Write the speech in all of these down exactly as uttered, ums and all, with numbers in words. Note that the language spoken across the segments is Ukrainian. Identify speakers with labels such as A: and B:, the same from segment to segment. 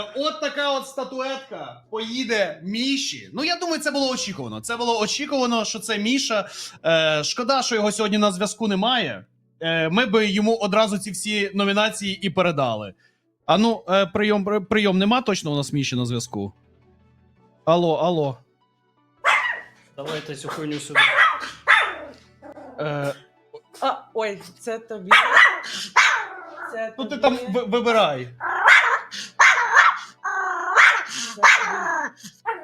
A: От така от статуетка поїде Міші. Ну, я думаю, це було очікувано. Це було очікувано, що це Міша. Е, шкода, що його сьогодні на зв'язку немає. Е, ми би йому одразу ці всі номінації і передали. А ну, е, прийом, прийом нема точно у нас Міші на зв'язку? Алло, алло.
B: Давайте цю хуйню сюди.
A: Е,
C: А, ой, це тобі. Це
A: ну,
C: тобі.
A: ти там ви- вибирай.
C: Це тобі.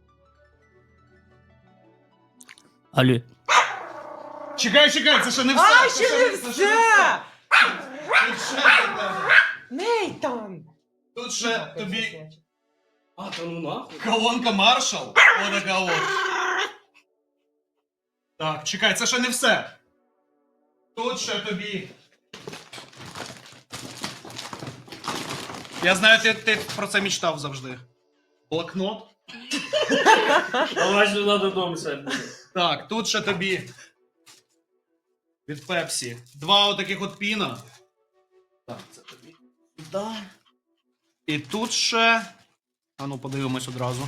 B: Алло.
A: Чекай, чекай, це ще не все.
C: А,
A: це
C: ще не
A: це ще
C: все!
A: Тут ще для тебе.
C: Нейтан!
A: Тут ще тобі
B: А, та ну нахуй.
A: колонка Marshall. Отака от. Так, чекай, це ще не все. Тут ще тобі. Я знаю, ти, ти про це мечтав завжди. Блокнот.
B: Давай сюди додому сядь.
A: Так, тут ще тобі. Від Пепсі. Два отаких от піна. Так, це тобі. Да. І тут ще. А ну, подивимось одразу.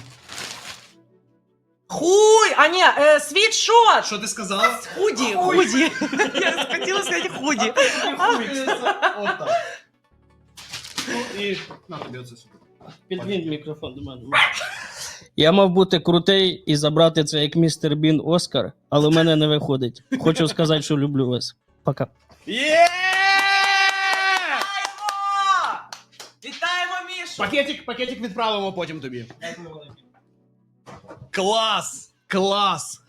C: Хуй! А ні, е, світшот!
A: Що ти сказала?
C: Худі, худі. Я хотіла сказати худі.
A: Отак. Ну і на тобі оце сюди.
B: Підвінь мікрофон до мене. Я мав бути крутий і забрати це як містер Бін Оскар, але в мене не виходить. Хочу сказати, що люблю вас. Пока.
A: Є!
C: Вітаємо Мішу!
A: Пакетик, пакетик відправимо потім тобі. Клас! Клас!